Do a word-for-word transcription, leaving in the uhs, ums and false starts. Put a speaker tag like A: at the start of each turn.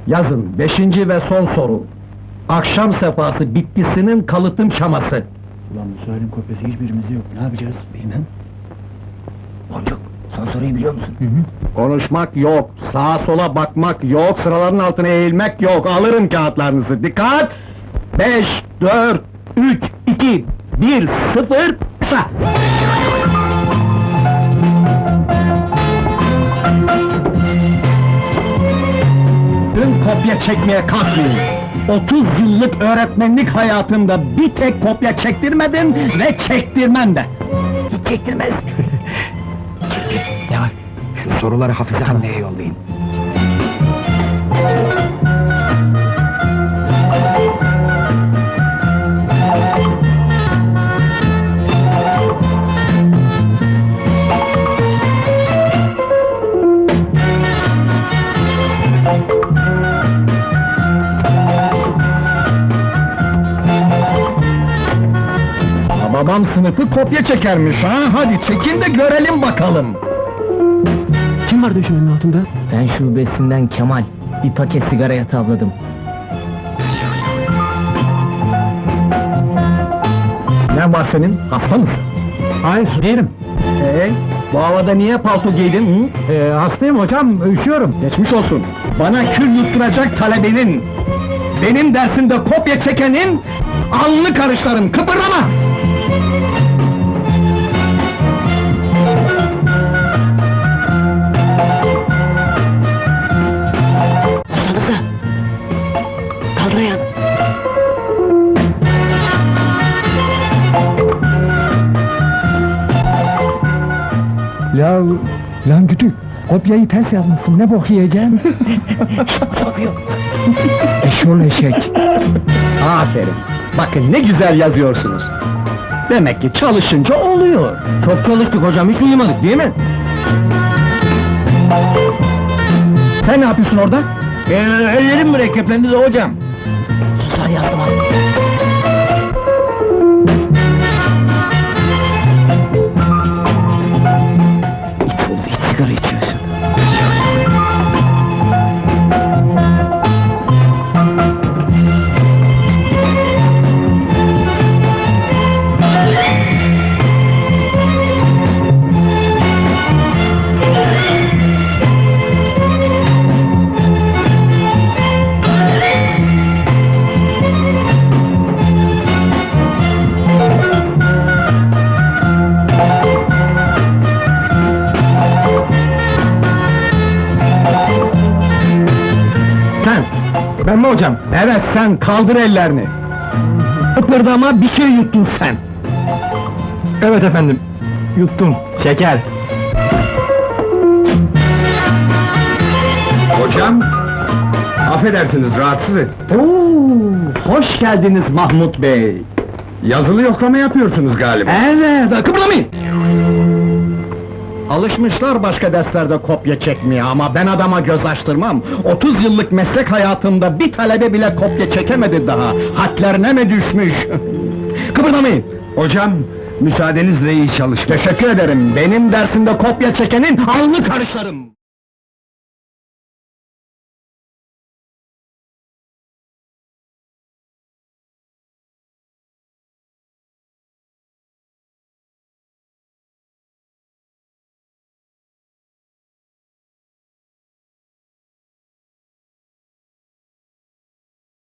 A: Yazın, beşinci ve son soru. Akşam sefası bitkisinin kalıtım şaması.
B: Ulan bu sualin kopyası hiçbirimizde yok, ne yapacağız?
C: Bilmem. Boncuk, son soruyu biliyor musun?
B: Hı hı.
A: Konuşmak yok, sağa sola bakmak yok, sıraların altına eğilmek yok. Alırım kağıtlarınızı, dikkat! Beş, dört, üç, iki, bir, sıfır, kısa! Dün kopya çekmeye kalkmayın. Otuz yıllık öğretmenlik hayatımda bir tek kopya çektirmedin ve çektirmem de.
C: Hiç çektirmez.
B: Ne var? Şu soruları Hafize anneye yollayın.
A: Babam sınıfı kopya çekermiş ha, hadi çekin de görelim bakalım.
B: Kim var döşemenin altında?
C: Fen şubesinden Kemal, bir paket sigaraya tavladım.
A: Ne var senin, hasta mısın?
B: Hayır, değilim.
A: Ee, bu havada niye palto giydin? Hı?
B: Ee, hastayım hocam, üşüyorum.
A: Geçmiş olsun. Bana kül yutturacak talebenin, benim dersimde kopya çekenin, alnını karışlarım, kıpırdama!
C: Ustanıza! Kaldır ayağını!
B: La, lan kütük, kopyayı ters yazmışsın, ne bok yiyeceğim?
C: Şşt, hoca bakıyor!
B: Eşol eşek!
A: Aferin! Bakın ne güzel yazıyorsunuz! Demek ki çalışınca oluyor!
C: Çok çalıştık hocam, hiç uyumadık değil mi?
A: Sen ne yapıyorsun orada?
C: Ee, ellerim mürekkeplendi de hocam! Susar yazdım abi! İç oldu, hiç sigara içiyorsun!
A: Sen!
B: Ben mi hocam?
A: Evet sen, kaldır ellerini! Kıpırdama, bir şey yuttun sen!
B: Evet efendim, yuttum, şeker.
D: Hocam, affedersiniz rahatsız et.
A: Oo, hoş geldiniz Mahmut Bey!
D: Yazılı yoklama yapıyorsunuz galiba.
A: Evet, kıpırdamayın! Alışmışlar başka derslerde kopya çekmeye ama ben adama göz açtırmam. Otuz yıllık meslek hayatımda bir talebe bile kopya çekemedi daha. Hadlerine mi düşmüş? Kıpırdamayın!
D: Hocam, müsaadenizle iyi çalışmak.
A: Teşekkür ederim. Benim dersimde kopya çekenin alnını karışlarım.